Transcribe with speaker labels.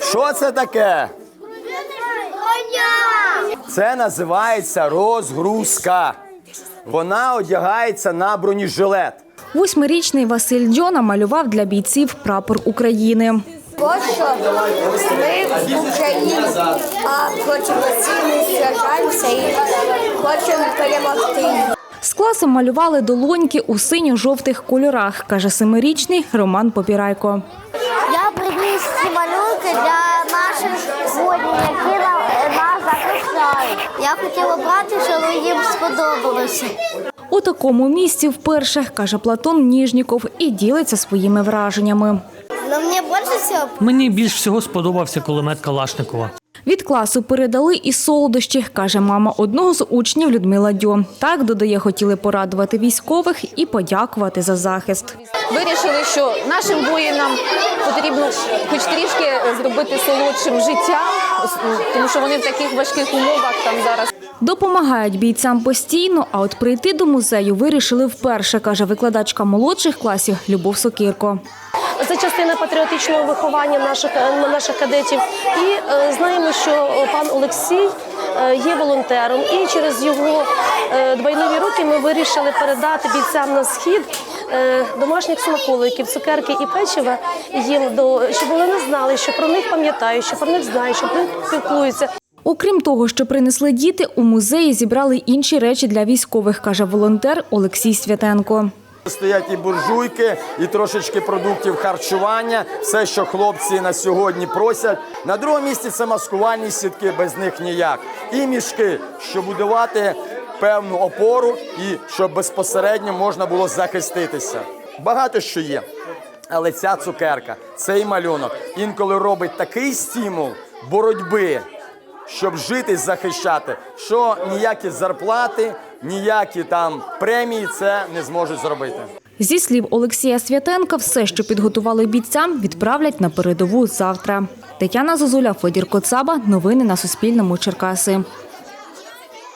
Speaker 1: Що це таке? Це називається розгрузка. Вона одягається на бронежилет.
Speaker 2: 8-річний Василь Дзьо намалював для бійців прапор України.
Speaker 3: Ось що ми в Україні, а проти Росії сражаємося і хочемо перемогти.
Speaker 2: З класом малювали долоньки у синьо-жовтих кольорах, каже 7-річний Роман Попірайко.
Speaker 3: Я приніс ці малюнки для наших воїнів, які нас захищають. Я хотіла брати, щоб їм сподобалося.
Speaker 2: У такому місці вперше, каже Платон Ніжніков, і ділиться своїми враженнями.
Speaker 4: Мені більш всього сподобався кулемет Калашникова.
Speaker 2: Від класу передали і солодощі, каже мама одного з учнів Людмила Дьо. Так, додає, хотіли порадувати військових і подякувати за захист.
Speaker 5: Вирішили, що нашим воїнам потрібно хоч трішки зробити солодшим життя, тому що вони в таких важких умовах там зараз.
Speaker 2: Допомагають бійцям постійно, а от прийти до музею вирішили вперше, каже викладачка молодших класів Любов Сокирко.
Speaker 6: Це частина патріотичного виховання наших кадетів. І знаємо, що пан Олексій є волонтером. І через його двойнові роки ми вирішили передати бійцям на схід домашніх смаколиків, цукерки і печива їм, щоб вони не знали, що про них пам'ятають, що про них знають, що про них спілкуються.
Speaker 2: Окрім того, що принесли діти, у музеї зібрали інші речі для військових, каже волонтер Олексій Святенко.
Speaker 1: Стоять і буржуйки, і трошечки продуктів харчування, все, що хлопці на сьогодні просять. На другому місці це маскувальні сітки, без них ніяк. І мішки, щоб будувати певну опору і щоб безпосередньо можна було захиститися. Багато що є, але ця цукерка, цей малюнок інколи робить такий стимул боротьби, щоб жити і захищати, що ніякі зарплати, ніякі там премії це не зможуть зробити.
Speaker 2: Зі слів Олексія Святенка, все, що підготували бійцям, відправлять на передову завтра. Тетяна Зозуля, Федір Коцаба. Новини на Суспільному. Черкаси.